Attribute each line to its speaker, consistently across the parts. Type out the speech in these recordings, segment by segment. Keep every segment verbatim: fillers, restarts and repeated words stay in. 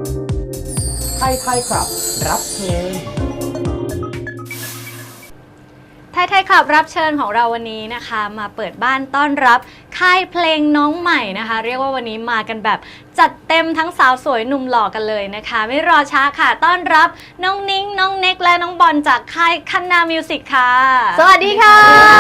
Speaker 1: ไทยไทยครับรับเพลง
Speaker 2: ไทยไทยคลับรับเชิญของเราวันนี้นะคะมาเปิดบ้านต้อนรับค่ายเพลงน้องใหม่นะคะเรียกว่าวันนี้มากันแบบจัดเต็มทั้งสาวสวยหนุ่มหล่อกันเลยนะคะไม่รอช้าค่ะต้อนรับน้องนิ้งน้องเน็กและน้องบอลจากค่ายคันนามิวสิกค่ะ
Speaker 3: สวัสดีค่ะ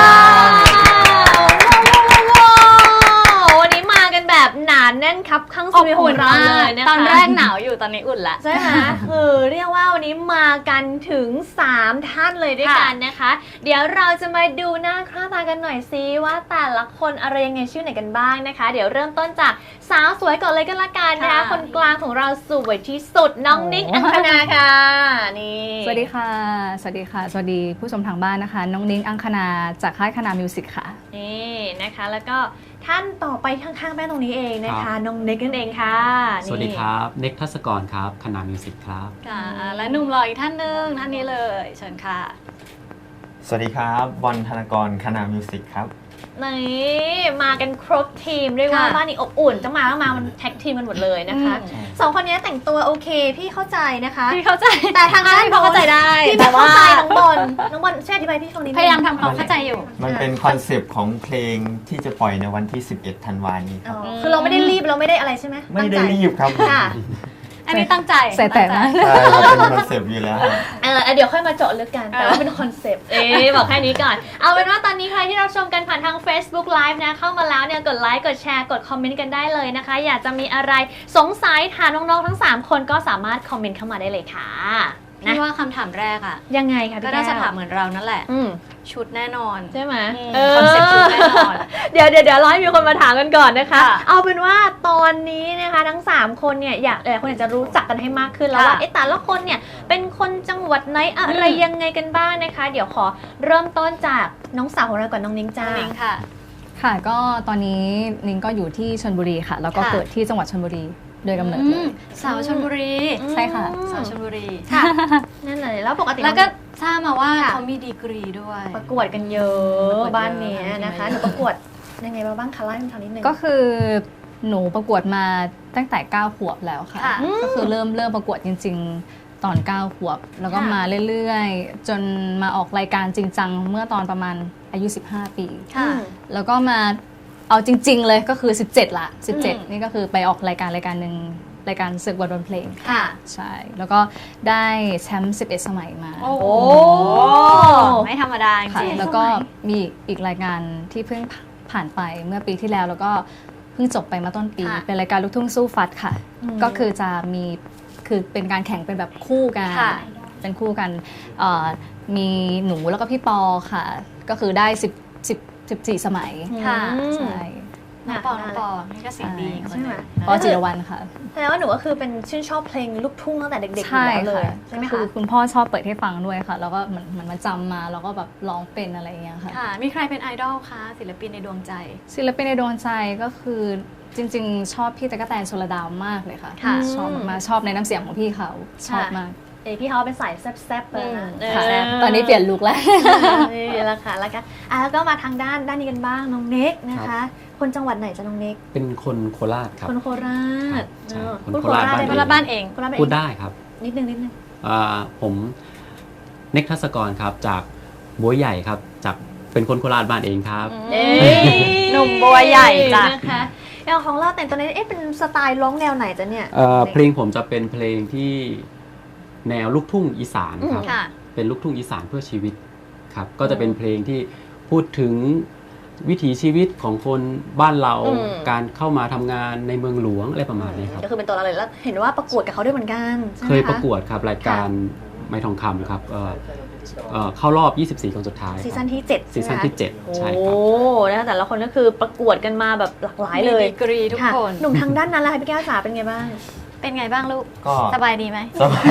Speaker 3: วันนี้มากันแบบหนาแน่นครับข้างสตูดิโอของเราเลยนะคะ
Speaker 2: ตอนแรกหนาวอยู่ตอนนี้อุ่นละ
Speaker 3: ใช่ไหมคือเรียกว่าวันนี้มากันถึงสามท่านเลยด้วยกันนะคะเดี๋ยวเราจะมาดูหน้าค่าตากันหน่อยซิว่าแต่ละคนอะไรยังไงชื่อไหนกันบ้างนะคะเดี๋ยวเริ่มต้นจากสาวสวยก่อนเลยกันละกันนะคะคนกลางของเราสวยที่สุดน้องนิกอังคณาค่ะนี่
Speaker 4: สวัสดีค่ะสวัสดีค่ะสวัสดีผู้ชมทางบ้านนะคะน้องนิ้งอังคณาจากค่ายคณามิวสิกค่ะ
Speaker 3: นี่นะคะแล้วก็ท่านต่อไปข้างๆแม่ตรงนี้เองนะคะน้องเน็กนั่นเองค่ะ
Speaker 5: สวัสดีครับเน็กทัศกรครับคณามิวสิกครับ
Speaker 2: ค่ะและหนุ่มหล่ออีกท่านหนึ่งท่านนี้เลยเชิญค่ะ
Speaker 6: สวัสดีครับบอลธนากรคณามิวสิกครับ
Speaker 3: นี่มากันครบทีมเรียกว่าบ้านนี้อบอุ่นจะมาก็มามันแท็กทีมกันหมดเลยนะคะสองคนนี้แต่งตัวโอเคพี่เข้าใจนะคะ
Speaker 2: พี่เข้าใจ
Speaker 3: แต่ทางด้านเขาเข้าใจได้พี่ไม่เข้าใจน้องบอลน้องบอลช่วยอธิบายพี่ฟังนิดนึง
Speaker 2: พยายามทำความเข้าใจอยู่
Speaker 6: มันเป็นคอนเซปต์ของเพลงที่จะปล่อยในวันที่สิบเอ็ดธันวาคมนี้ครับ
Speaker 3: คือเราไม่ได้รีบเราไม่ได้อะไรใช่ไหม
Speaker 6: ไม่ได้รีบครับ
Speaker 3: ค่ะ
Speaker 2: อันนี้ตั้งใจ
Speaker 4: ใส่แต่นะ
Speaker 6: ใช่มันเป็นคอนเซปต์อยู่แล้ว
Speaker 3: เออเดี๋ยวค่อยมาเจาะลึกกันแต่ว่าเป็นคอนเซปต์เอ๊ะบอกแค่นี้ก่อนเอาเป็นว่าตอนนี้ใครที่เราชมกันผ่านทาง Facebook Live นะเข้ามาแล้วเนี่ยกดไลค์กดแชร์กดคอมเมนต์กันได้เลยนะคะอยากจะมีอะไรสงสัยถามน้องๆทั้งสามคนก็สามารถคอมเมนต์เข้ามาได้เลยค่ะ
Speaker 2: พี่ว่าคำถามแรกอะ
Speaker 3: ยังไงคะ
Speaker 2: ก็น่าจะถามเหมือนเรานั่นแหละชุดแน่นอน
Speaker 3: ใช่ไหม
Speaker 2: คอนเซ็ปต์ชุดแน่นอน
Speaker 3: เดี๋ยวเดี๋ยวเดี๋ยวรอให้มีคนมาถามกันก่อนนะคะเอาเป็นว่าตอนนี้นะคะทั้งสามคนเนี่ยอยากหลายคนอยากจะรู้จักกันให้มากขึ้นแล้วว่าเอ๊ะแต่ละคนเนี่ยเป็นคนจังหวัดไหนอะไรยังไงกันบ้างนะคะเดี๋ยวขอเริ่มต้นจากน้องสาวของเราก่อนน้องนิ้งจ้า
Speaker 2: นิ้งค่ะ
Speaker 4: ค่ะก็ตอนนี้นิ้งก็อยู่ที่ชลบุรีค่ะแล้วก็เกิดที่จังหวัดชลบุรีโดยกำเนิดเลย
Speaker 2: สาวชลบุรี
Speaker 4: ใช่ค่ะ
Speaker 2: สาวชลบุรี
Speaker 3: ค่ะนั่นเลยแล้วปกติ
Speaker 2: แล้วก็ทราบมาว่าเขามีดีกรีด้วย
Speaker 3: ประกวดกันเยอะบ้านนี้นะคะหนูประกวดยังไงมาบ้างคะเล่าให้ฟังนิดนึง
Speaker 4: ก็คือหนูประกวดมาตั้งแต่เก้าขวบแล้วค่ะก็คือเริ่มเริ่มประกวดจริงๆตอนเก้าขวบแล้วก็มาเรื่อยๆจนมาออกรายการจริงจังเมื่อตอนประมาณอายุสิบห้าปีแล้วก็มาเอาจริงๆเลยก็คือสิบเจ็ดละสิบเจ็ดนี่ก็คือไปออกรายการรายการหนึ่งรายการศึกวันดนเพลง
Speaker 3: ค่ะ
Speaker 4: ใช่แล้วก็ได้แชมป์สิบเอ็ดสมัยมา
Speaker 3: โอ้
Speaker 2: ไม่ธรรมดาจริง
Speaker 4: แล้วก็มีอีกรายการที่เพิ่งผ่านไปเมื่อปีที่แล้วแล้วก็เพิ่งจบไปเมื่อต้นปีเป็นรายการลูกทุ่งสู้ฟัดค่ะก็คือจะมีคือเป็นการแข่งเป็นแบบคู่กันเป็นคู่กันมีหนูแล้วก็พี่ปอค่ะก็คือได้สิบสิบสิบสี่สมัย
Speaker 2: ค่ะ
Speaker 4: ใช่
Speaker 2: น้องปอน้องปอนี่ก็สิ่งดี
Speaker 3: ใช่ไหม
Speaker 4: ปอจิรวรรณค่ะ
Speaker 3: แสดงว่าหนูก็คือเป็นชื่นชอบเพลงลูกทุ่งตั้งแต่เด็กๆอยู่เลยใช่ไหมคะ
Speaker 4: คือคุณพ่อชอบเปิดให้ฟังด้วยค่ะแล้วก็เหมือนเหมือนมาจำมาแล้วก็แบบร้องเป็นอะไรอย่างเงี้ยค่ะ
Speaker 2: ค่ะมีใครเป็นไอดอลคะศิลปินในดวงใจ
Speaker 4: ศิลปินในดวงใจก็คือจริงๆชอบพี่ตั๊กแตนชลดาวมากเลยค่ะชอบมากชอบในน้ำเสียงของพี่เขาชอบมาก
Speaker 3: เอพี่เขาเป็นสายแซ่บๆเลยนะ
Speaker 4: ตอนนี้เปลี่ยนลุคแล้ว
Speaker 3: นี่แหละค่ะแล้วกันอ่ะแล้วก็มาทางด้านด้านนี้กันบ้างน้องเน็กนะคะคนจังหวัดไหนจะน้องเน็ก
Speaker 5: เป็นคนโคราชครับ
Speaker 3: คนโคราช
Speaker 5: คนโคราช
Speaker 2: บ้านเอง
Speaker 5: พูดได้ครับ
Speaker 3: นิดนึงนิดนึง
Speaker 5: ผมเน็กทัศกรครับจากบัวใหญ่ครับจากเป็นคนโคราชบ้านเองครับ
Speaker 2: หนุ่มบัวใหญ่จ้ะ
Speaker 3: นะคะอย่างของเราแต่งตัวนี้เอ๊ะเป็นสไตล์ร้องแนวไหนจ๊ะเนี่ย
Speaker 5: เพลงผมจะเป็นเพลงที่แนวลูกทุ่งอีสานครับเป็นลูกทุ่งอีสานเพื่อชีวิตครับก็จะเป็นเพลงที่พูดถึงวิถีชีวิตของคนบ้านเราการเข้ามาทำงานในเมืองหลวงอะไรประมาณนี้ครับ
Speaker 3: ก็คือเป็นตัวเราเลยแล้วเห็นว่าประกวดกับเขาด้วยเหมือนกัน
Speaker 5: เคยประกวดครับรายการไม้ทองคำครับเข้ารอบยี่สิบสี่คนสุดท้าย
Speaker 3: ซีซั่นที่เจ็ด
Speaker 5: ซีซั่นที่เจ็ดใช่ครับ
Speaker 3: โอ้แล้วแต่ละคนก็คือประกวดกันมาแบบหลากหลายเลย
Speaker 2: ดีกรีทุกคน
Speaker 3: หนุ่มทางด้านนั้นล่ะพี่แก้วจ๋าเป็นไงบ้าง
Speaker 2: เป็นไงบ้างลูก
Speaker 6: ก็
Speaker 2: สบายดีไหม
Speaker 6: สบาย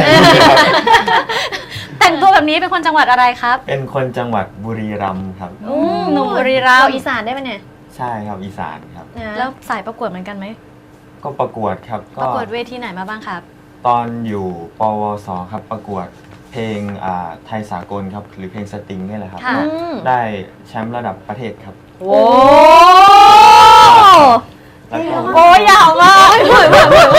Speaker 2: แต่งตัวแบบนี้เป็นคนจังหวัดอะไรครับ
Speaker 6: เป็นคนจังหวัดบุรีรัมย์ครับ
Speaker 2: หนุ่มบุรีรัมย์
Speaker 3: อีสานได้ไหมเนี่ย
Speaker 6: ใช่ครับอีสานครับ
Speaker 2: แล้วสายประกวดเหมือนกันไหม
Speaker 6: ก็ประกวดครับ
Speaker 2: ประกวดเวทีไหนมาบ้างครับ
Speaker 6: ตอนอยู่ปวสครับประกวดเพลงไทยสากลครับหรือเพลงสตริงนี่แหละครับได้แชมป์ระดับประเทศครับ
Speaker 3: โอ้
Speaker 2: โอ้ยาวมาก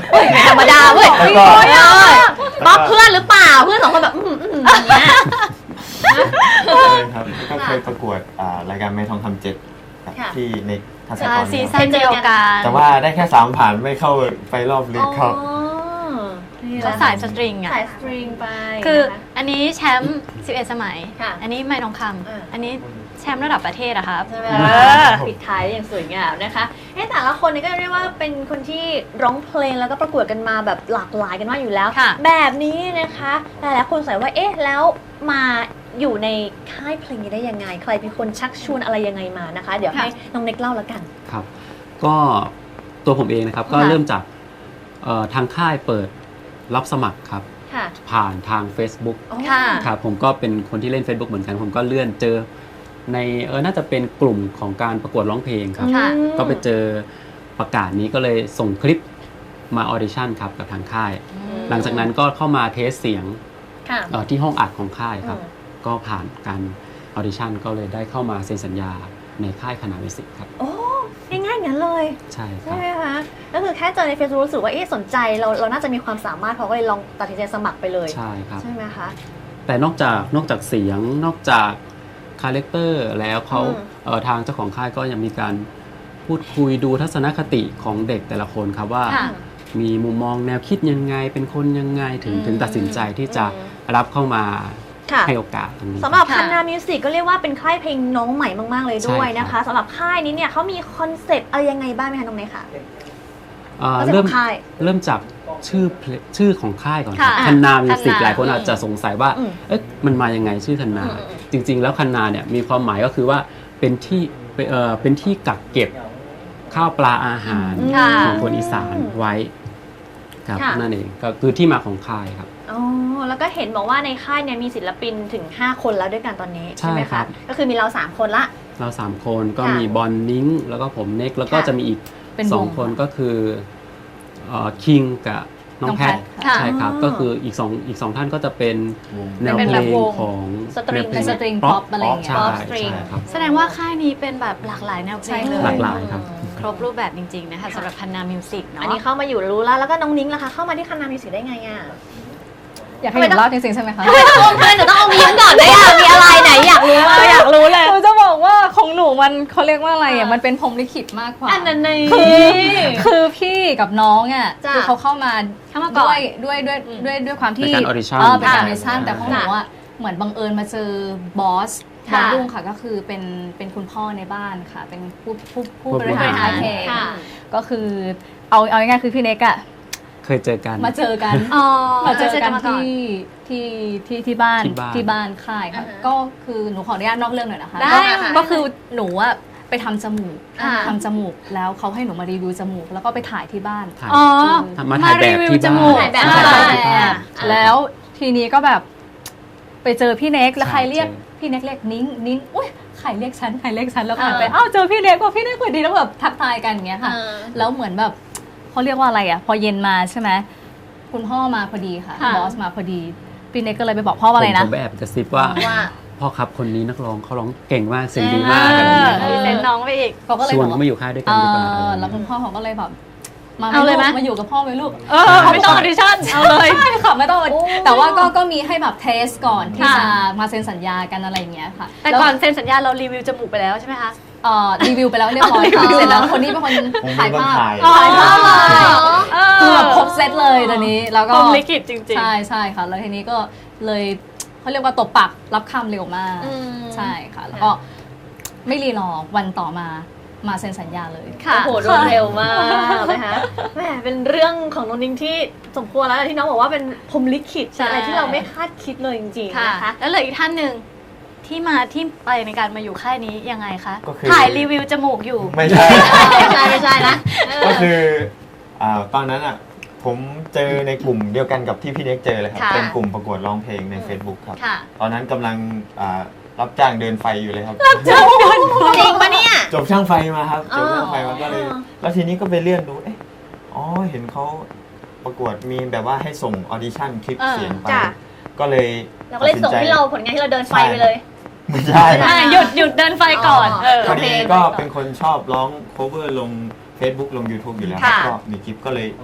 Speaker 3: เฮ้ยไม่ธรรมดาเว้ย
Speaker 6: แล้วก็
Speaker 3: โอ้ยเอ้ยป๊อปเพื่อนหรือเปล่าเพื่อนสองคนแบบอืมอืมอย่างเงี้ย
Speaker 6: ใช่ครับแล้วก็เคยประกวดอ่ารายการแม่ทองคำเจ็ดครับ
Speaker 3: ค่ะ
Speaker 6: ที่ในทัศก
Speaker 2: อ่าร ซี
Speaker 6: ครับ
Speaker 2: ซั่นเดียวกัน
Speaker 6: แต่ว่าได้แค่สามผ่านไม่เข้าไปรอบลึกครับ
Speaker 3: อ๋อนี่แห
Speaker 2: เขา
Speaker 3: ละ
Speaker 2: สายสตริงอ่ะ
Speaker 3: สายสตริงไป
Speaker 2: คือ
Speaker 3: นะคะ
Speaker 2: อันนี้แชมป์สิบเอ็ดสมัย
Speaker 3: ค่ะ
Speaker 2: อันนี้ไม่ทองค
Speaker 3: เออ
Speaker 2: ำอันนี้แชมป์ระดับประเทศอะครับ
Speaker 3: ใช่ไหม
Speaker 2: เออ
Speaker 3: ปิดท้ายได้อย่างสวยงามนะคะเอ้แต่ละคนเนี่ยก็เรียกว่าเป็นคนที่ร้องเพลงแล้วก็ประกวดกันมาแบบหลากหลายกันมากอยู่แล้ว
Speaker 2: ค่ะ
Speaker 3: แบบนี้นะคะหลายๆคนสงสัยว่าเอ๊ะแล้วมาอยู่ในค่ายเพลงนี้ได้ยังไง ใครเป็นคนชักชวนอะไรยังไงมานะคะ เดี๋ยวให้น้องเน็กเล่าแล้วกัน
Speaker 5: ครับ ก็ตัวผมเองนะครับก็
Speaker 2: ค่ะ
Speaker 5: เริ่มจากเอ่อทางค่ายเปิดรับสมัครครับ
Speaker 3: ค่ะ
Speaker 5: ผ่านทาง Facebook
Speaker 3: อ๋อ
Speaker 2: ค่ะ
Speaker 5: ครับผมก็เป็นคนที่เล่น Facebook เหมือนกัน ผมก็เลื่อนเจอในเออน่าจะเป็นกลุ่มของการประกวดร้องเพลงครับ
Speaker 2: ค่ะ
Speaker 3: อืม
Speaker 5: ก็ไปเจอประกาศนี้ก็เลยส่งคลิปมาออดิชั่นครับกับทางค่าย หลังจากนั้นก็เข้ามาเทสเสียง
Speaker 3: ค่ะ
Speaker 5: เอ่อที่ห้องอัดของค่ายครับ
Speaker 3: อืม
Speaker 5: ก็ผ่านการออดิชั่นก็เลยได้เข้ามาเซ็นสัญญาในค่ายคณะมิวสิกครับ
Speaker 3: โอ้ง่ายๆอย่างนั้นเลย
Speaker 5: ใช่ค
Speaker 3: ใช่
Speaker 5: รับ
Speaker 3: ไหมคะก็คือแค่เจอใน Facebook รู้สึกว่าเอ๊ะสนใจเราเราน่าจะมีความสามารถเขาก็เลยลองตัดสินใจสมัครไปเลย
Speaker 5: ใช่ครับ
Speaker 3: ใช่ไหมคะ
Speaker 5: แต่นอกจากนอกจากเสียงนอกจากคาแรคเตอร์แล้วเขา
Speaker 3: อืม
Speaker 5: เอ่อทางเจ้าของค่ายก็ยังมีการพูดคุยดูทัศนคติของเด็กแต่ละคนครับว่า
Speaker 2: ค่ะ
Speaker 5: มีมุมมองแนวคิดยังไงเป็นคนยังไงถึง
Speaker 2: อืม
Speaker 5: ถึงตัดสินใจที่จะ
Speaker 3: อืม
Speaker 5: รับเข้ามา
Speaker 3: ค่ะ
Speaker 5: ให้โอกาสตรงนี้
Speaker 3: สำหรับ
Speaker 2: ค่ะ
Speaker 3: คันนามิวสิกก็เรียกว่าเป็นค่ายเพลงน้องใหม่มาก ๆ เลยด้วย
Speaker 5: ใช่
Speaker 3: นะ
Speaker 5: ครั
Speaker 3: คะ
Speaker 5: บ
Speaker 3: สำหรับค่ายนี้เนี่ยเขามีคอนเซปต์อะไรยังไงบ้างไหมคะน้องเนยค่ะ
Speaker 5: เอ่อ
Speaker 3: คอนเซปต์
Speaker 5: เริ่
Speaker 3: ข
Speaker 5: ม
Speaker 3: องค่าย
Speaker 5: เริ่มจากชื่อเพลงชื่อของค่ายก่อนครับ
Speaker 2: ค่ะ
Speaker 5: คันนามิวสิก
Speaker 2: คันนา
Speaker 5: หลายคนอาจจะสงสัยว่า
Speaker 3: อืม
Speaker 5: เอ๊ะมันมายังไงชื่อคันนา
Speaker 3: อืมอืม
Speaker 5: จริง ๆ แล้วคันนาเนี่ยมีความหมายก็คือว่าเป็นที่เป็นเอ่อเป็นที่กักเก็บข้าวปลาอาหาร
Speaker 2: ค่ะ
Speaker 5: ของคนอีสานไว้ครับ
Speaker 3: ค่ะ
Speaker 5: นั่นเองก็คือที่มาของค่ายครับ
Speaker 3: อ๋อแล้วก็เห็นบอกว่าในค่ายเนี่ยมีศิลปินถึง ห้า คนแล้วด้วยกันตอนนี้
Speaker 5: ใช่
Speaker 3: ใช่ไหม
Speaker 5: ครั
Speaker 3: คะ
Speaker 5: บ
Speaker 3: ก็คือมีเรา สาม คนละ
Speaker 5: เราสามคนก็
Speaker 3: ค่ะ
Speaker 5: มีบอลนิ้งแล้วก็ผมเน็กแล้วก็
Speaker 3: ค่ะ
Speaker 5: จะมีอีก
Speaker 4: เป็น
Speaker 5: สอง
Speaker 4: วง
Speaker 5: คนก็คือเอ่อคิงกับน้องแพท
Speaker 2: ค่ะ
Speaker 5: ใช่ครับ
Speaker 3: อ๋อ
Speaker 5: ก็คืออีกสองอีกสองท่านก็จะเป็นแนว
Speaker 2: เป็น
Speaker 5: เพ
Speaker 2: แบ
Speaker 5: ล
Speaker 2: บ
Speaker 5: ง
Speaker 2: วง
Speaker 5: ของ
Speaker 3: สตริง
Speaker 5: แนวเพล
Speaker 4: เป็น
Speaker 5: ง
Speaker 4: สตริงป๊อปอะไรอย่างเงี้ย
Speaker 5: ใช่
Speaker 3: ป๊อปสต
Speaker 5: ใช่
Speaker 3: ริง
Speaker 5: ครับ
Speaker 2: แสดงว่าค่ายนี้เป็นแบบหลากหลายแนวเพลง
Speaker 3: ใช่
Speaker 2: เลย
Speaker 5: หลากหลายครับ
Speaker 2: ครบรูปแบบจริง ๆ นะคะสำหรับคันนามิวสิกเนาะ
Speaker 3: อันนี้เข้ามาอยู่รู้แล้วแล้วก็น้องนิ้งล่ะคะเข้ามาที่คันนามิวสิกได้ไงอ่ะ
Speaker 4: อยากให้หนูเล่าจริงๆใช่ไหมคะ
Speaker 3: ทำไมหนูต้องเอามีย้อนก่อนด้วยอ่ะมีอะไรไหนอยากรู้เลยอยากรู้เลย
Speaker 4: หนูจะบอกว่าของหนูมันเขาเรียกว่าอะไรอ่ะ มันเป็นพรหมลิขิตมากกว่า
Speaker 3: อันนั้นใน
Speaker 4: คือพี่กับน้องอ่ะ
Speaker 3: จ้ะ
Speaker 4: คือเขาเข้ามา
Speaker 2: เข้ามาก่อน
Speaker 4: ด้วยด้วยด้วยด้วยด้วยความที่
Speaker 5: เป็นการ audition
Speaker 4: เออเป็นการอ
Speaker 3: ค่ะ
Speaker 4: อดิชั่นแต่ของหนู
Speaker 3: ค่ะ
Speaker 4: อ่ะเหมือนบังเอิญมาเจอบอส
Speaker 3: ค่ะ
Speaker 4: บอสรุ่งค่ะก็คือเป็นเป็นคุณพ่อในบ้านค่ะ เป็นผู้ผู้ผู้
Speaker 5: ผู้
Speaker 4: บบ ริ
Speaker 5: ริ
Speaker 4: หา
Speaker 5: หาร ร
Speaker 4: เพลง
Speaker 3: ค่ะ
Speaker 4: ก็คือเอาเอาง่ายๆคือพี่เน็กอ่ะ
Speaker 5: เคยเจอกัน
Speaker 4: มาเจอกัน
Speaker 2: อ๋อ
Speaker 4: มาเจอ
Speaker 2: เจอกั
Speaker 4: กัน น
Speaker 2: มาก่อน
Speaker 4: ที่ที่ที่ที่บ้าน
Speaker 5: ที่บ้าน
Speaker 4: ที่บ้านค่ายค่ะ
Speaker 3: อ่าฮะ
Speaker 4: ก็คือหนูขออนุญาตนอกเรื่องหน่อยนะคะ
Speaker 2: ได้
Speaker 4: ก็
Speaker 3: ค่ะ
Speaker 4: ก็คือหนูอะไปทำจมูก
Speaker 3: อ่า
Speaker 4: ทำจมูกแล้วเขาให้หนูมารีวิวจมูก แล้วก็ไปถ่ายที่บ้าน
Speaker 5: ถ่าย
Speaker 2: อ๋อ
Speaker 5: มาถ่ายแบบ
Speaker 2: รีวิว
Speaker 5: ที่
Speaker 2: จ
Speaker 5: บ้า
Speaker 2: มูก
Speaker 5: น
Speaker 3: ถ่ายแบบ
Speaker 5: ใช่
Speaker 3: อ่า
Speaker 5: ถ่ายที่บ้าน
Speaker 4: แล้วทีนี้ก็แบบไปเจอพี่เน็กแล้วใครเรียก
Speaker 5: ใช่
Speaker 4: พี่เน็กเรียกนิ้งนิ้งอุ้ยใครเรียกฉันใครเรียกฉันแล้วผ่าน
Speaker 3: เออ
Speaker 4: ไปอ้าวเจอพี่เน็กว่าพี่เน็กพอดีแล้วแบบทักทายกันอย่างเงี้ยค่ะ
Speaker 3: เออ
Speaker 4: แล้วเหมือนแบบเขาเรียกว่าอะไรอ่ะ พอเย็นมาใช่ไหมคุณพ่อมาพอดีค่ะ
Speaker 2: ค่ะ
Speaker 4: บอสมาพอดีพี่เน็กก็เลยไปบอกพ่อว่าอะไรนะ
Speaker 5: ผมผมแอบกระซิบว่า
Speaker 3: ว่า
Speaker 5: พ่อครับคนนี้นักร้องเขาร้องเก่งมากเสียงดีมากอะไรอย่างเงี้ย
Speaker 2: เออเซ็นน้องไปอีก
Speaker 4: เขาก็เลย
Speaker 5: ช
Speaker 4: บ
Speaker 5: ว
Speaker 4: อน ก
Speaker 5: เขา
Speaker 4: ว่า
Speaker 5: มาอยู่ค่ายด้วยกัน
Speaker 4: เอ
Speaker 5: ดีกว่า
Speaker 4: อแล้วคุณพ่อเขาก็เลยแบบมา
Speaker 2: เอาเลยไหม
Speaker 4: มาอยู่กับพ่อไหมลูก
Speaker 2: เออไม่ต้องออดิชั่นเอาเลย
Speaker 4: ใช่ค่ะไม่ต้อง
Speaker 3: โอ้
Speaker 4: แต่ว่าก็ก็มีให้แบบเทสก่อนที่
Speaker 2: ค่ะ
Speaker 4: จะมาเซ็นสัญญากันอะไรอย่างเงี้ยค่ะ
Speaker 2: แต่ก่อนเซ็นสัญญาเรารีวิวจมูกไปแล้วใช่ไหมคะ
Speaker 4: เอ่อรีวิวไปแล้วเรียบร้อย
Speaker 2: รี
Speaker 4: ค่ะ
Speaker 2: วิว
Speaker 4: เสร็จแล้วคนนี้เป็นคนถ่ายภาพ
Speaker 6: ผมเป็นคนถ่าย
Speaker 4: ถ่ายภาพมา
Speaker 2: เอ
Speaker 4: คือแบบครบเซตเลยตอนนี้แล้ว
Speaker 2: พ
Speaker 4: ก็
Speaker 2: รหมลิขิตจริง
Speaker 4: ใช่ใช่ค่ะ แล้วทีนี้ก็เลยเขาเรียกว่าตบปากรับคำเร็วมาก
Speaker 3: อืม
Speaker 4: ใช่ค่ะ แล้วก็ไม่รีรอวันต่อมามาเซ็นสัญญาเลย
Speaker 2: ๆ ค่ะ
Speaker 3: โอ้โหรวดเร็วมากนะคะแหมเป็นเรื่องของน้องนิ้งที่สมควรแล้วที่น้องบอกว่าเป็นพรหมลิขิต
Speaker 2: ใช่
Speaker 3: อะไรที่เราไม่คาดคิดเลยจริงๆ
Speaker 2: ค่ะ
Speaker 3: นะคะ
Speaker 2: แล้วเหลืออีกท่านหนึ่งที่มาที่ไปในการมาอยู่ค่ายนี้ยังไงคะ
Speaker 6: ก็คือ
Speaker 2: ถ่ายรีวิวจมูกอยู่
Speaker 6: ไม่ใช่
Speaker 3: ไม่ใช่ไม่ใช่นะเออ
Speaker 6: ก็คืออ่าตอนนั้นอ่ะผมเจอในกลุ่มเดียวกันกับที่พี่เน็กเจอเลยครับ
Speaker 2: ค่ะ
Speaker 6: เป็นกลุ่มประกวดร้องเพลงใน Facebook ครับ
Speaker 2: ค่ะ
Speaker 6: ตอนนั้นกำลังอ่ารับจ้างเดินไฟอยู่เลยครับ
Speaker 3: จริงปะเนี่ย
Speaker 6: จบช่างไฟมาครับ
Speaker 3: อ๋
Speaker 6: จ
Speaker 3: อ
Speaker 6: บช่างไฟมาก็เลย แล้วทีนี้ก็ไปเลื่อนดู เอ๊ะ อ๋อ เห็นเขาประกวดมีแบบว่าให้ส่งออดิชั่นคลิป
Speaker 2: เออ
Speaker 6: เสียงไป
Speaker 3: จ้ะ
Speaker 6: ก็เลย
Speaker 3: เราก็เลยส่ง
Speaker 6: ตัดสินใจ
Speaker 3: ที่เราผลงานที่เราเดินไฟไปเลย
Speaker 6: ไม่ใช่
Speaker 2: อ่ะหยุดหยุดเดินไฟก่อน
Speaker 3: อ๋อ
Speaker 2: เออ
Speaker 6: พอดีก็เป็นคนชอบร้อง cover ลง Facebook ลง YouTube อยู่แล้วครับ
Speaker 2: ค่ะ
Speaker 6: ก็มีคลิปก็เลย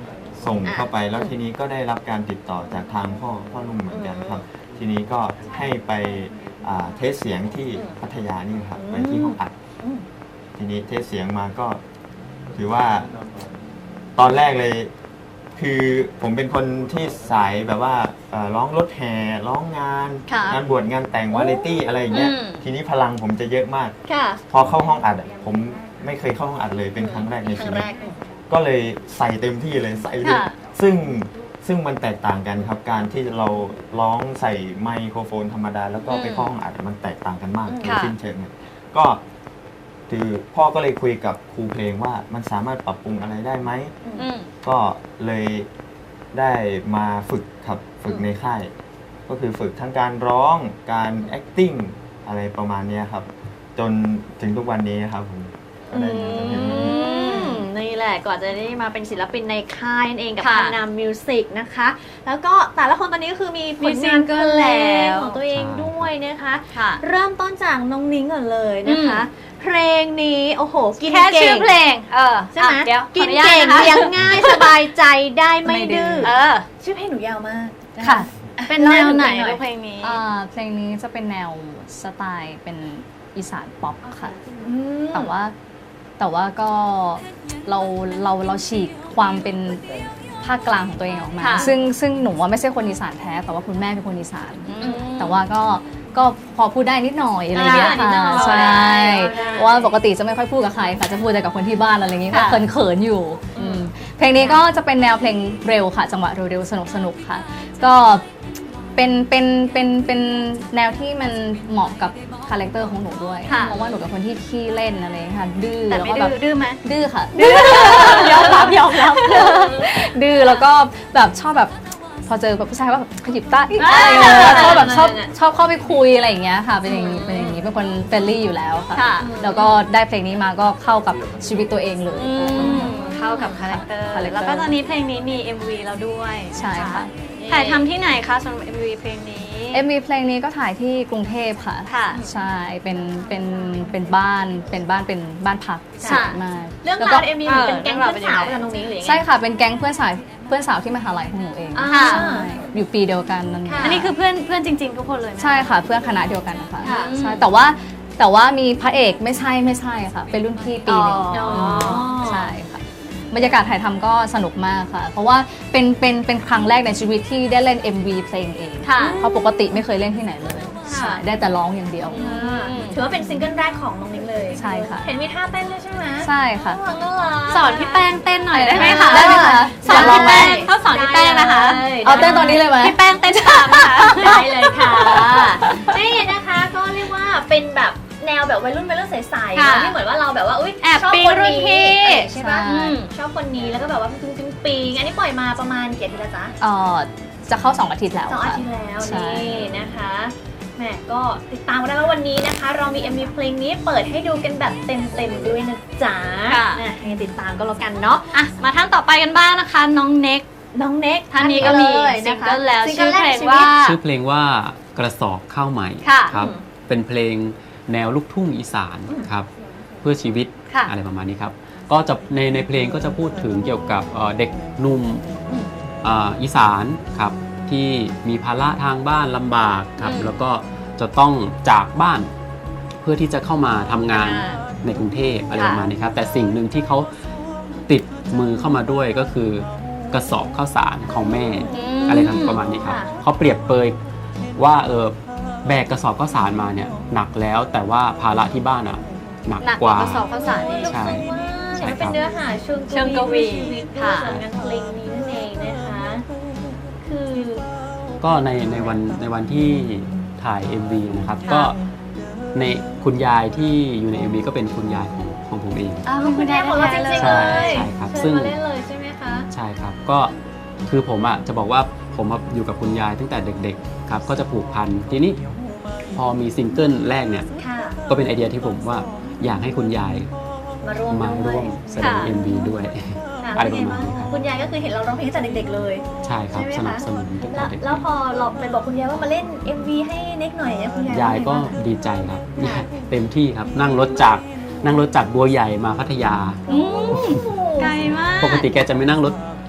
Speaker 6: ส่ง
Speaker 3: อ่ะ
Speaker 6: เข้าไปแล้วทีนี้ก็ได้รับการติดต่อจากทางพ่อพ่อนุ่มเหมือนกันครับ ทีนี้ก็ให้ไปอ่าเทสเสียงที่พัทยานี่ครับไปที่ห้องอัด
Speaker 3: อืม
Speaker 6: ทีนี้เทสเสียงมาก็ถือว่าตอนแรกเลย คือผมเป็นคนที่สายแบบว่าเอ่อร้องรถแห่ร้องงาน
Speaker 2: ค่ะ
Speaker 6: งานบวชงานแต่งวาไรตี้อะไรอย่างเงี้ย
Speaker 2: อืม
Speaker 6: ทีนี้พลังผมจะเยอะมาก
Speaker 3: ค่ะ
Speaker 6: พอเข้าห้องอัดอะผมไม่เคยเข้าห้องอัดเลยเป็นครั้งแรกใน
Speaker 3: ครั้
Speaker 6: ชี
Speaker 3: ง
Speaker 6: วิ
Speaker 3: แร
Speaker 6: ต
Speaker 3: ก
Speaker 6: ก็เลยใส่เต็มที่เลยใส่เลย
Speaker 2: ค่ะ
Speaker 6: ซึ่งซึ่งมันแตกต่างกันครับ การที่เราร้องใส่ไมโครโฟนธรรมดา แล้วก็ไปเข้าห้องอัดมันแตกต่างกันมาก
Speaker 3: อืม
Speaker 6: โดย
Speaker 2: ค่ะ
Speaker 6: สิ้นเชิงเลยก็คือพ่อก็เลยคุยกับครูเพลงว่ามันสามารถปรับปรุงอะไรได้ไหม
Speaker 2: อืม
Speaker 6: ก็เลยได้มาฝึกครับฝึกในค่าย ก็คือฝึกทั้งการร้องการ acting อะไรประมาณเนี้ยครับ จนถึงทุกวันนี้ครับผมก็ได้มาจนถึงวันนี้
Speaker 3: อืมนี่แหละก่อนจะได้มาเป็นศิลปินในค่ายนั่นเองกับ
Speaker 2: ค่ะ
Speaker 3: คานามมิวสิกนะคะ แล้วก็แต่ละคนตอนนี้ก็คือมีผ
Speaker 2: มี
Speaker 3: ล
Speaker 2: ซิ
Speaker 3: งาง น
Speaker 2: เกิ
Speaker 3: เพ
Speaker 2: ล
Speaker 3: ล
Speaker 2: แล้
Speaker 3: ง
Speaker 2: ว
Speaker 3: ของตัวเองด้วยนะคะ
Speaker 2: ค่ะ
Speaker 3: เริ่มต้นจากน้องนิ้งก่อนเลยนะคะ เพลงนี้โอ้โหกิน
Speaker 2: แค่
Speaker 3: เก่
Speaker 2: ชื่อง เพลง เออ
Speaker 3: ใช่ไหม
Speaker 2: อ่ะเดี๋ยว
Speaker 3: กิน
Speaker 2: ขออญาต
Speaker 3: เก่ง
Speaker 2: นะคะ
Speaker 3: เลี้ยงง่ายสบายใจได้ไม่
Speaker 4: ไม่ดื้
Speaker 3: ดื้
Speaker 4: อ
Speaker 3: อ
Speaker 2: เออ
Speaker 3: ชื่อเพลงหนูยาวมากน
Speaker 4: ค่ะ
Speaker 2: เป็นแนวไหน
Speaker 3: เล่าให้
Speaker 2: ลูก
Speaker 3: ฟัง
Speaker 2: เพลงนี้
Speaker 4: อ่าเพลงนี้จะเป็นแนวสไตล์เป็นอีสานป๊อปค่ะ
Speaker 3: อืม
Speaker 4: แต่ว่าแต่ว่าก็เราเราเราฉีกความเป็นภาคกลางของตัวเองออกมา
Speaker 2: ค่ะ
Speaker 4: ซึ่งซึ่งหนูว่าไม่ใช่คนอีสานแท้ แต่ว่าคุณแม่เป็นคนอีสาน
Speaker 2: อืม
Speaker 4: แต่ว่าก็ก็พอพูดได้นิดหน่อยอะไรอย่างเงี้ย
Speaker 3: อ่านิด
Speaker 4: ค่ะ
Speaker 3: หน่อย
Speaker 4: ใช่
Speaker 3: ได้
Speaker 4: เพราะว่าปกติจะไม่ค่อยพูดกับใครค่ะจะพูดแต่กับคนที่บ้านอะไรอย่างเงี้ยก็
Speaker 2: ค่ะ
Speaker 4: เขินๆอยู่อืมเพลงนี้ก็จะเป็นแนวเพลงเร็วค่ะ จังหวะเร็วๆสนุกๆค่ะ ก็เป็นเป็นเป็นเป็นแนวที่มันเหมาะกับคาแรคเตอร์ของหนูด้วย
Speaker 2: ค่ะ
Speaker 4: เพราะว่าหนูเป็นคนที่ขี้เล่นอะไรอย่างเงี้ยค่ะดื้อ
Speaker 2: แต่
Speaker 4: แล้ว
Speaker 2: ไม่
Speaker 4: ก็แบ
Speaker 2: ดื้
Speaker 4: บ
Speaker 2: อดื้อไหม
Speaker 4: ดื้อค่ะ
Speaker 2: ยอมรับยอมรับ
Speaker 4: ดื้อแล้วก็แบบชอบแบบพอเจอแบบผู้ชายก็แบบขยิบตาอีก
Speaker 2: อ่า
Speaker 4: อะไรอย่างเงี้ยชอบแบบชอบ
Speaker 3: นั่นๆ
Speaker 4: ชอบเข้าไปคุยอะไรอย่างเงี้ยค่ะเป็นอย่างนี้เป็นอย่างนี้เป็นคนเฟรนลี่อยู่แล้วค่ะ
Speaker 2: ค่ะ
Speaker 4: แล้วก็ได้เพลงนี้มาก็เข้ากับชีวิตตัวเองเลย
Speaker 2: อืมเข้ากับคาแรคเตอร์
Speaker 4: คาแรคเตอร์
Speaker 2: แล้วก็ตอนนี้เพลงนี้มี เอ็ม วี แล้วด้วย
Speaker 4: ใช่ค่ะ
Speaker 2: ถ่ายทำที่ไหนคะสำหรับ เอ็ม วี เพลงนี้
Speaker 4: เอ็มวีเพลงนี้ก็ถ่ายที่กรุงเทพค่ะ
Speaker 2: ค่ะ
Speaker 4: ใช่เป็นเป็นเป็นบ้านเป็นบ้านเป็นบ้านพักส
Speaker 3: ค่ะ
Speaker 4: วยมาก
Speaker 3: เรื่อง
Speaker 4: แล้ว
Speaker 3: รา
Speaker 4: ก็
Speaker 3: วเอ็มวีเหมือนเป็นแก๊งเพื่อนสาวกันตรงนี้หรือยังไง
Speaker 4: ใช่ค่ะเป็นแก๊งเพื่อนสาวเพื่อนสาวที่มหาลัยของหนูเอง
Speaker 3: อ่า
Speaker 2: ค่ะ
Speaker 4: ใช่อยู่ปีเดียวกันนั่นเอง
Speaker 3: ค่ะ
Speaker 2: อันนี้คือเพื่อนเพื่อนจริง ๆ ทุกคนเลยไหม
Speaker 4: ใช่ค่ะเพื่อนคณะเดียวกันนะคะ
Speaker 3: ค่ะ
Speaker 4: ใช่แต่ว่าแต่ว่ามีพระเอกไม่ใช่ไม่ใช่ค่ะ เป็นรุ่นพี่ปีหนึง
Speaker 2: อ๋อ
Speaker 4: ใช่ค่ะบรรยากาศถ่ายทำก็สนุกมากค่ะ เพราะว่าเป็นเป็นเป็นครั้งแรกในชีวิตที่ได้เล่น เอ็ม วี เพลงเอง
Speaker 2: ค่ะ
Speaker 4: เพราะปกติไม่เคยเล่นที่ไหนเลย
Speaker 3: ค่ะ
Speaker 4: ใช่ได้แต่ร้องอย่างเดียว
Speaker 3: อ่าถือว่าเป็นซิงเกิลแรกของน้องนิ้งเลย
Speaker 4: ใช่ค่ะ
Speaker 3: เห็นมีท่าเต้นด้วยใช่ไหม
Speaker 4: ใช่ค่ะ
Speaker 3: น่ารักน่ารัก
Speaker 2: สอนพี่แป้งเต้นหน่อยได้ไหมคะ
Speaker 4: ได้ไหมคะ
Speaker 2: สอนพี่แป้งเขาสอนพี่แป้งนะคะ
Speaker 3: ได้
Speaker 4: เอาเต้นตอนนี้เลยไหม
Speaker 2: พี่แป้งเต้นตามนะคะ
Speaker 3: ได้เลยค่ะนี่นะคะก็เรียกว่าเป็นแบบแนวแบบวัยรุ่นวัยรุ่นใสๆ
Speaker 2: ค่ะ
Speaker 3: เนอะที่เหมือนว่าเราแบบว่าอุ้ย
Speaker 2: แอบ
Speaker 3: ชอบ
Speaker 2: ปิ๊ง
Speaker 3: คน
Speaker 2: รุ่น
Speaker 3: นี้
Speaker 2: พี่
Speaker 3: เออใช่ปะ
Speaker 4: ใช่
Speaker 3: อืมชอบคนนี้แล้วก็แบบว่าปิ๊งปิ๊งปิ๊งอันนี้ปล่อยมาประมาณกี่อาทิตย์แล้วจ๊ะ
Speaker 4: เอ่อจะเข้าสองอาทิตย์แล้ว
Speaker 3: สองอา
Speaker 4: ค่ะ
Speaker 3: ทิตย์แล้ว
Speaker 4: ใช่
Speaker 3: นี่นะคะแหมก็ติดตามกันได้ว่าวันนี้นะคะ เรามี เอ็ม วี เพลงนี้เปิดให้ดูกันแบบเต็มๆด้วยนะจ๊ะ
Speaker 2: ค่ะ
Speaker 3: นะยังไงติดตามก็แล้วกันเนาะ
Speaker 2: อ่ะมาท่านต่อไปกันบ้างนะคะ น้องเน็ก
Speaker 3: น้องเน็ก
Speaker 2: ท่านนี้ก็มี
Speaker 3: เลย
Speaker 2: ซิง
Speaker 3: นะคะ
Speaker 2: เกิลแล้ว
Speaker 3: ซิง
Speaker 2: ชื่อ
Speaker 3: แร
Speaker 2: เพ
Speaker 3: ก
Speaker 2: ล
Speaker 3: ใน
Speaker 2: ง
Speaker 3: ชี
Speaker 2: ว่า
Speaker 3: วิต
Speaker 5: ชื่อเพลงว่ากระสอบข้าวใหม่
Speaker 2: ค่ะ
Speaker 5: ครับ
Speaker 3: อืม
Speaker 5: เป็นเพลงแนวลูกทุ่งอีสานครับ เพื่อชีวิต
Speaker 2: ค่ะ
Speaker 5: อะไรประมาณนี้ครับ ก็จะในในเพลงก็จะพูดถึงเกี่ยวกับเอ่อเด็กหนุ่มเอ่ออีสานครับ ที่มีภาระทางบ้านลำบากครับ
Speaker 2: อืม
Speaker 5: แล้วก็จะต้องจากบ้านเพื่อที่จะเข้ามาทำงาน
Speaker 2: อ่า
Speaker 5: ในกรุงเทพอะไร
Speaker 2: ค่ะ
Speaker 5: ประมาณนี้ครับ แต่สิ่งหนึ่งที่เขาติดมือเข้ามาด้วยก็คือกระสอบข้าวสารของแม่
Speaker 2: ม
Speaker 5: อะไรทำประมาณนี้ครับ
Speaker 3: ค่ะ
Speaker 5: เขาเปรียบเปยว่าเออแบกกระสอบข้าวสารมาเนี่ยหนักแล้วแต่ว่าภาระที่บ้านอ่ะหนัก
Speaker 2: หนัก
Speaker 5: ก
Speaker 2: กว่า
Speaker 5: ว่า
Speaker 2: กระสอบข้าวสารนี่
Speaker 5: ใช่ ใช่
Speaker 3: ใช่
Speaker 5: ครับ
Speaker 3: เป็นเนื้อหาเชิง
Speaker 2: เชิงกวี
Speaker 3: ชีวิตด้วย
Speaker 2: ค่ะ
Speaker 3: ส่วนงานเพลงนี้นั่นเองนะคะ คือ
Speaker 5: ก็ในในวันในวันที่ถ่าย เอ็ม วี นะครับ
Speaker 2: ค่ะ
Speaker 5: ก็ในคุณยายที่อยู่ใน เอ็ม วี ก็เป็นคุณยายของของผมเอง
Speaker 2: อ้าว
Speaker 3: คุ
Speaker 2: คุณ ณ
Speaker 3: ยาย
Speaker 2: าย ย
Speaker 3: ของเราจริงๆ
Speaker 5: ใช่
Speaker 3: เลย
Speaker 5: ใช่ครับ
Speaker 3: เชิญ
Speaker 5: ซึ่ง
Speaker 3: มาเล่นเลยใช่ไหมคะ
Speaker 5: ใช่ครับก็คือผมอ่ะจะบอกว่าผมอะอยู่กับคุณยายตั้งแต่เด็กๆครับก็จะผูกพันทีนี้พอมีซิงเกิลแรกเนี่ย
Speaker 3: ค่ะ
Speaker 5: ก็เป็นไอเดียที่ผมว่าอยากให้คุณยาย
Speaker 3: มาร่วม
Speaker 5: มา
Speaker 3: ด้
Speaker 5: ร่
Speaker 3: ว
Speaker 5: วย มแสดง
Speaker 2: ค่ะ
Speaker 5: เอ็ม วี ด้วย
Speaker 3: ค่ะ
Speaker 5: อะไร
Speaker 3: เป็น
Speaker 5: ประ
Speaker 3: ไง
Speaker 5: มาณ
Speaker 3: บ้าง
Speaker 5: นี้ครับ
Speaker 3: คุณยายก็คือเห็นเราร้องเพลงตั้งแต่เด็กๆเลย
Speaker 5: ใช่ครับ
Speaker 3: ใช่
Speaker 5: ส
Speaker 3: ไหม
Speaker 5: นับ
Speaker 3: คะ
Speaker 5: สนุนตั้ง
Speaker 3: แล้
Speaker 5: แต่
Speaker 3: ว
Speaker 5: เด็ก
Speaker 3: แล้วพอเราไปบอกคุณยายว่ามาเล่น เอ็ม วี ให้เน็กหน่อยเนี่ยคุณยาย
Speaker 5: ยาย
Speaker 3: ว่
Speaker 5: ก็
Speaker 3: ไงบ้าง
Speaker 5: ดีใจครับยายเต็มที่ครับนั่งรถจากนั่งรถจากบัวใหญ่มาพัทยา
Speaker 2: อืมไกลมาก
Speaker 5: ปกติแกจะไม่นั่งรถ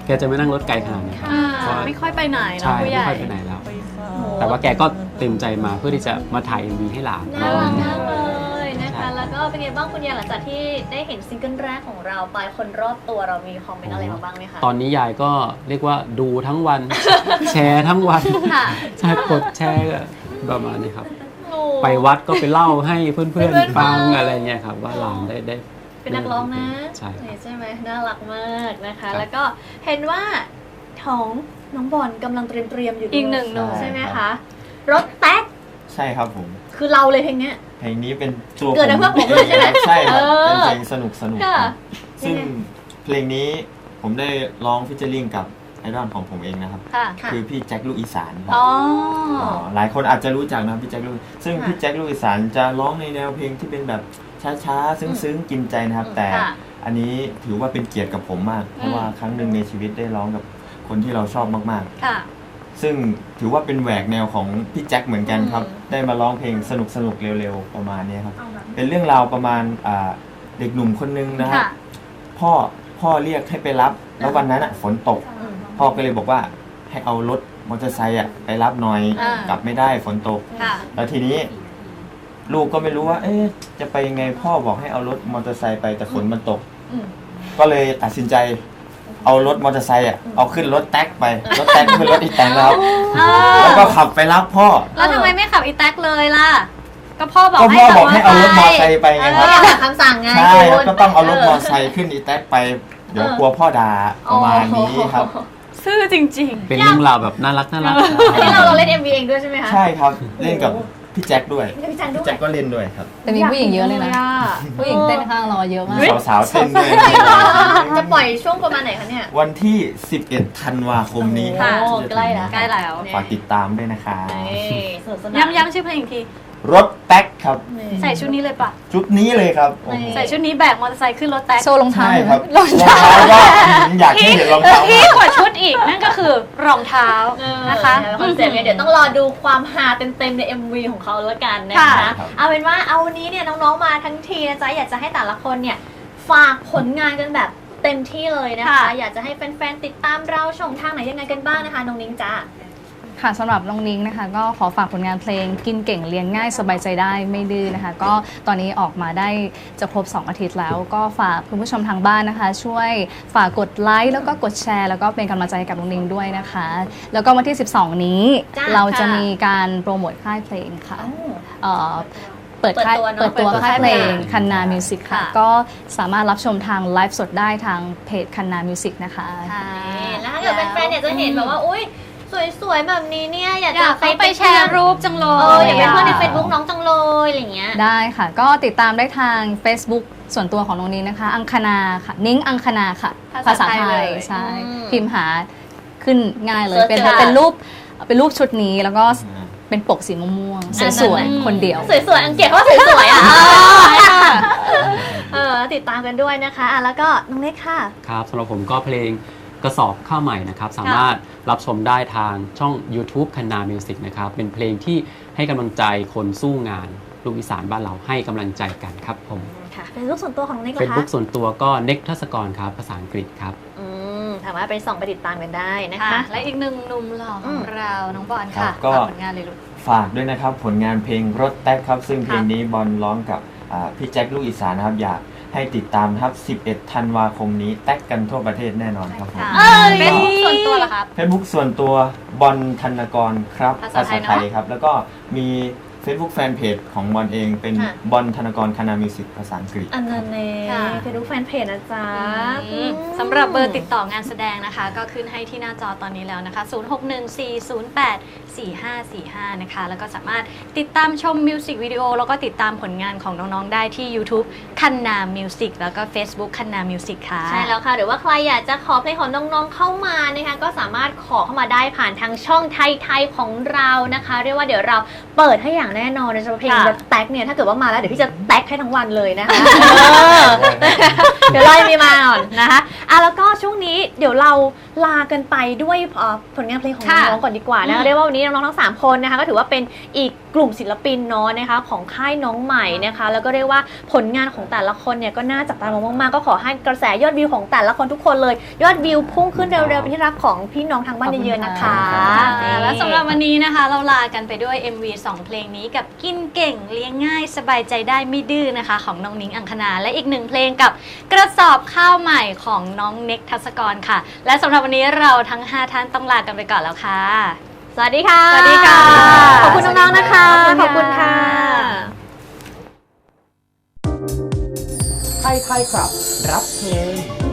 Speaker 5: แกจะไม่นั่งรถไกลขนาดนี้ครับ
Speaker 2: อ่า
Speaker 5: เพราะ
Speaker 2: ไม่ค่อยไปไหนเนาะ
Speaker 5: ใช่
Speaker 2: ผู้ให
Speaker 5: ไม่
Speaker 2: ญ่
Speaker 5: ค่อยไปไหนแล้ว แต่ว่าแกก็เต็มใจมาเพื่อที่จะมาถ่าย เอ็ม วี ให้หลาน
Speaker 3: น่ารักมากเลยนะคะ แล้วก็เป็นไงบ้างคุณยายหลังจากที่ได้เห็นซิงเกิลแรกของเราไปคนรอบตัวเรามีคอมเมนต์อะไรมาบ้างไหมคะ
Speaker 5: ตอนนี้ยายก็เรียกว่าดูทั้งวัน แชร์ทั้งวัน
Speaker 3: ค่ะ
Speaker 5: ใช่กดแชร์ประมาณนี้ครับ
Speaker 3: โอ้
Speaker 5: ไปวัดก็ไปเล่าให้เพื่อน
Speaker 3: เพื่อนๆ
Speaker 5: ๆฟัง
Speaker 3: ฟัง
Speaker 5: อะไรเงี้ยครับว่าหลานได้ได้
Speaker 3: เป็นนักร้องนะ
Speaker 5: ใช่
Speaker 3: ใช่ไหมน่ารักมากนะคะ
Speaker 5: ครับ
Speaker 3: แล้วก็เห็นว่าท้องน้องบอลกำลังเตรียมเตรียมๆอยู่
Speaker 2: อีกหนึ่งหนุ่ม
Speaker 3: ใช่ไหมคะ รถแท็ก
Speaker 6: ใช่ครับผม
Speaker 3: คือเราเลยเพลงเนี้ย
Speaker 6: เพลงนี้เป็นตัว
Speaker 3: เกิดจากเพื่อนผมเลยใช่ไหม
Speaker 6: ใช่ครับ
Speaker 3: เออ
Speaker 6: เป็นเพลงสนุกสนุก
Speaker 3: ค่ะ
Speaker 6: ครับซึ่ง
Speaker 3: ยังไง
Speaker 6: เพลงนี้ผมได้ร้องฟิชเจอริงกับไอดอลของผมเองนะครับ
Speaker 2: ค่ะ
Speaker 3: ค่ะ
Speaker 6: คือพี่แจ็คลูกอีสานครับ
Speaker 2: อ๋อ
Speaker 6: หลายคนอาจจะรู้จักนะครับพี่แจ็คลูกซึ่ง
Speaker 3: ค่ะ
Speaker 6: พี่แจ็คลูกอีสานจะร้องในแนวเพลงที่เป็นแบบช้าๆ ซึ้งๆ กินใจนะครับ
Speaker 3: อืม
Speaker 6: แต่
Speaker 2: ค่ะ
Speaker 6: อันนี้ถือว่าเป็นเกียรติกับผมมาก เพราะว่าครั้งหนึ่งในชีวิตได้ร้องกับคนที่เราชอบมาก
Speaker 2: ค่ะ
Speaker 6: ๆ ซึ่งถือว่าเป็นแหวกแนวของพี่แจ็คเหมือนกันครับ ได้มาร้องเพลงสนุกๆ เร็วๆ ประมาณนี้ครับ เป็นเรื่องราวประมาณอ่าเด็กหนุ่มคนนึงนะครับ
Speaker 2: ค่ะ
Speaker 6: พ่อพ่อเรียกให้ไปรับ แล้ววันนั้นอ่ะฝนตก
Speaker 3: อืม
Speaker 6: พ่อก็เลยบอกว่าให้เอารถมอเตอร์ไซค์อ่ะไปรับหน่อย
Speaker 2: อ่าก
Speaker 6: ลับไม่ได้ฝนตก
Speaker 2: ค่ะ
Speaker 6: แล้วทีนี้ ลูกก็ไม่รู้ว่า เอ๊ะจะไปยังไงพ่อบอกให้เอารถมอเตอร์ไซค์ไปแต่ฝนมันตก
Speaker 3: อืม
Speaker 6: ก็เลยตัดสินใจ เอารถมอเตอร์ไซค์อ่ะเอาขึ้นรถแท็กไปรถแท็กขึ้นรถอีแตงแล้วแล้วก็ขับไปรับพ่อ
Speaker 2: แล้วทำไมไม่ขับอีแท็กเลยล่ะ ก็พ่อบอก
Speaker 6: ก็
Speaker 2: ให้
Speaker 6: พ่อ
Speaker 2: ขั
Speaker 6: บอกให้เอารถมอเตอร์ไซค์ไปไง
Speaker 3: เอ
Speaker 6: ค
Speaker 3: อ
Speaker 6: รับ
Speaker 3: อยากคำสั่งไง
Speaker 6: ใช่
Speaker 3: คุ
Speaker 6: แล้ว
Speaker 3: ณ
Speaker 6: ก็ต้องเอารถมอเตอร์ไซค์ขึ้นอีแท็กไป เดี๋ยวกลัวพ่อด่าประมาณนี้ครับ
Speaker 2: ซื่อจริง
Speaker 5: เป็นเรื่องราวแบบน่ารักน่ารัก
Speaker 3: อันนี้เราเราเล่น เอ็ม วี เองด้วยใช่ไหมคะ
Speaker 6: ใช่ครับเล่นกับพี่แจ็คด้วย
Speaker 3: เล่นกับพี่จันด้ว
Speaker 6: พี่
Speaker 3: ย
Speaker 6: แจ็คก็เล่นด้วยครับ
Speaker 4: แต่มีผู้หญิงเยอะเลยนะ ผู้หญิงเต้นข้างเราเยอะมาก
Speaker 6: สาวๆเต้นด้วย
Speaker 3: จะปล่อยช่วงประมาณไหนคะเนี่ย
Speaker 6: วันที่ สิบเอ็ด ธันวาคมนี้ครับ
Speaker 3: โอ้ใกล้แล้ว
Speaker 2: ใกล้แล้ว
Speaker 6: ฝากติดตามด้วยนะคะ
Speaker 3: นี่สนุกสนาน
Speaker 2: ๆ ย้ำย้ำชื่อเพลงอีกที
Speaker 6: รถแท็กครับ
Speaker 3: นี่
Speaker 2: ใส่ชุดนี้เลยปะ
Speaker 6: ชุดนี้เลยครับโอ้โห
Speaker 2: ใส่ชุดนี้แบกมอเตอร์ไซค์ขึ้นรถแท็ก
Speaker 4: โชว์รองเท้า
Speaker 6: ใช่
Speaker 4: หน่อย
Speaker 6: ครับ
Speaker 4: รอง
Speaker 6: รอง
Speaker 4: เท้า
Speaker 6: เท้าก็อยากให้เห็นรองเท้า
Speaker 2: ที่กว่าชุดอีกนั่นก็คือรองเท้า
Speaker 3: เออ
Speaker 2: นะคะ
Speaker 3: คอนเซ็ปต์เนี่ยเดี๋ยวต้องรอดูความฮาเต็มๆใน เอ็ม วี ของเขาแล้วกันนะคะ
Speaker 2: ค่ะ
Speaker 3: เอาเป็นว่าเอาวันนี้เนี่ยน้องๆมาทั้งทีนะจ๊ะอยากจะให้แต่ละคนเนี่ยฝากผลงานกันแบบเต็มที่เลยนะคะ
Speaker 2: ค่ะ
Speaker 3: อยากจะให้แฟนๆติดตามเราช่องทางไหนยังไงกันบ้างนะคะน้องนิ้งจ้า
Speaker 4: ค่ะสำหรับน้องนิ้งนะคะ ก็ขอฝากผลงานเพลงกินเก่งเรียนง่ายสบายใจได้ไม่ดื้อนะคะ ก็ตอนนี้ออกมาได้จะครบสองอาทิตย์แล้ว ก็ฝากคุณผู้ชมทางบ้านนะคะ ช่วยฝากกดไลค์แล้วก็กดแชร์แล้วก็เป็นกำลังใจให้กับน้องนิ้งด้วยนะคะ แล้วก็วันที่สิบสองนี้
Speaker 3: จ้า
Speaker 4: เราจะ
Speaker 3: ค่ะ
Speaker 4: มีการโปรโมทค่ายเพลงค่ะเอ่อเปิด
Speaker 3: เปิด
Speaker 4: ค่าย
Speaker 3: ตัวเนอะ
Speaker 4: เปิดตัว
Speaker 3: เปิดตัว
Speaker 4: ค่ายเพลง
Speaker 3: ค่ายเพลง
Speaker 4: คันนามิวสิกค่ะ
Speaker 2: ค่ะ
Speaker 4: ก็สามารถรับชมทางไลฟ์สดได้ทางเพจคันนามิวสิกนะคะ
Speaker 3: แล้วถ้าเกิดแฟนๆเนี่ยจะเห็นแบบว่าอุ้ยสวยๆแบบนี้เนี่ยอยาก
Speaker 2: อยาก
Speaker 3: จะ
Speaker 2: ไปแชร์รูปจังเล
Speaker 3: เออย อยากเป็นเพื่อนใน Facebook น้องจังเลยอะไรอย่างเงี้ย
Speaker 4: ได้ค่ะ ก็ติดตามได้ทาง Facebook ส่วนตัวของน้องนิ้งนะคะ อังคณาค่ะ นิ้งอังคณาค่ะ
Speaker 2: ภาษาไทยเลย
Speaker 4: ใช่
Speaker 3: อืม
Speaker 4: พิมพ์หาขึ้นง่ายเลย
Speaker 3: เสิร์ช
Speaker 4: เป็น
Speaker 3: เจอ
Speaker 4: เป็นรูปเป็นรูปชุดนี้แล้วก็เป็นปกสีม่วงๆสวยๆคนเดียว
Speaker 3: สวยๆอังเกตเขาสวยๆอ่ะเออติดตามกันด้วยนะคะอ่ะแล้วก็น้องเล็กค่ะ
Speaker 5: ครับสำหรับผมก็เพลงกระสอบข้าวใหม่นะครับ สามารถรับชมได้ทางช่อง YouTube คันนามิวสิกนะครับ เป็นเพลงที่ให้กำลังใจคนสู้งานลูกอีสานบ้านเราให้กำลังใจกันครับผม
Speaker 3: ค่ะเป็นรูปส่วนตัวของน้องเล็กเหร
Speaker 5: เฟ
Speaker 3: อ
Speaker 5: ซ
Speaker 3: คะ
Speaker 5: บุ๊กส่วนตัวก็เน็กทัศกรครับภาษาอังกฤษครับ
Speaker 3: อืมสามารถไปส่องไปติดตามกันได้นะ
Speaker 2: ค่ะ
Speaker 3: คะ
Speaker 2: และอีกหนึ่งหนุ่มหล่อข
Speaker 3: อื
Speaker 2: อง
Speaker 3: ม
Speaker 2: เรา น้องบอล
Speaker 6: ครั
Speaker 2: ค่ะ
Speaker 6: บก็
Speaker 2: ฝากผลงานเลยลูก
Speaker 6: ฝากด้วยนะครับผลงานเพลงรถแท็กครับ ซึ่งเพลงนี้บอลร้องกับอ่าพี่แจ็คลูกอีสานนะครับ อยากให้ติดตามนะครับ สิบเอ็ด ธันวาคมนี้แท็กกันทั่วประเทศแน่นอนครับผม
Speaker 2: เฟซบุ๊กส่วนตัวเหรอครับ
Speaker 6: เฟซบุ๊กส่วนตัวบอลธนกรครับ
Speaker 2: ภาษาไทยเนอะ
Speaker 6: ครับ แล้วก็มี Facebook แฟนเพจของบอลเองเป็น
Speaker 3: ค่ะ
Speaker 6: บอลธนกรคณามิวสิกภาษาอังกฤษ
Speaker 3: อันนั้นเอง
Speaker 2: ค่ะ
Speaker 3: ไปดูแฟนเพจนะจ๊ะ
Speaker 2: อืมสำหรับเบอร์ติดต่องานแสดงนะคะ ก็ขึ้นให้ที่หน้าจอตอนนี้แล้วนะคะ ศูนย์ หก หนึ่ง สี่ ศูนย์ แปด สี่ ห้า สี่ ห้า นะคะ แล้วก็สามารถติดตามชมมิวสิกวิดีโอแล้วก็ติดตามผลงานของน้องๆได้ที่ YouTube คันนามิวสิกแล้วก็ Facebook คันนามิวสิกค่ะ
Speaker 3: ใช่แล้วค่ะหรือว่าใครอยากจะขอเพลงของน้องๆเข้ามานะคะก็สามารถขอเข้ามาได้ผ่านทางช่องไทยๆของเรานะคะ เรียกว่าเดี๋ยวเราเปิดให้อย่างแน่นอนในเฉพาะเพลง
Speaker 2: ค่ะ
Speaker 3: รถแท็กเนี่ยถ้าเกิดว่ามาแล้วเดี๋ยวพี่จะแท็กให้ทั้งวันเลยนะคะเดี๋ยวไล่มีมาก่อนนะคะอ่ะแล้วก็ช่วงนี้เดี๋ยวเราลากันไปด้วยเอ่อผลงานเพลงของ
Speaker 2: ค่ะ
Speaker 3: น้องๆก่อนดีกว่านะ
Speaker 2: อืม
Speaker 3: เรียกว่าวันนี้น้องๆทั้งสามคนนะคะก็ถือว่าเป็นอีกกกลุ่มศิลปินเนาะนะคะของค่ายน้องใหม่นะคะแล้วก็เรียกว่าผลงานของแต่ละคนเนี่ยก็น่าจับตามองมากๆก็ขอให้กระแสยอดวิวของแต่ละคนทุกคนเลยยอดวิวพุ่งขึ้นเร็วๆเป็นที่รักของพี่น้องทางบ้านเยอะๆนะคะ
Speaker 2: ค่ะและสำหรับวันนี้นะคะเราลากันไปด้วย เอ็ม วี สอง เพลงนี้กับกินเก่งเลี้ยงง่ายสบายใจได้ไม่ดื้อนะคะของน้องนิ้งอังคณาและอีกหนึ่งเพลงกับกระสอบข้าวใหม่ของน้องเน็กทัศกรค่ะและสำหรับวันนี้เราทั้งห้าท่านต้องลากันไปก่อนแล้วค่ะ
Speaker 3: สวัสดีค่ะ
Speaker 2: สวัสดีค่ะ
Speaker 3: ขอบคุณน้องๆนะคะ ขอบคุณค่ะ
Speaker 1: ไทยไทยครับ รับเพลง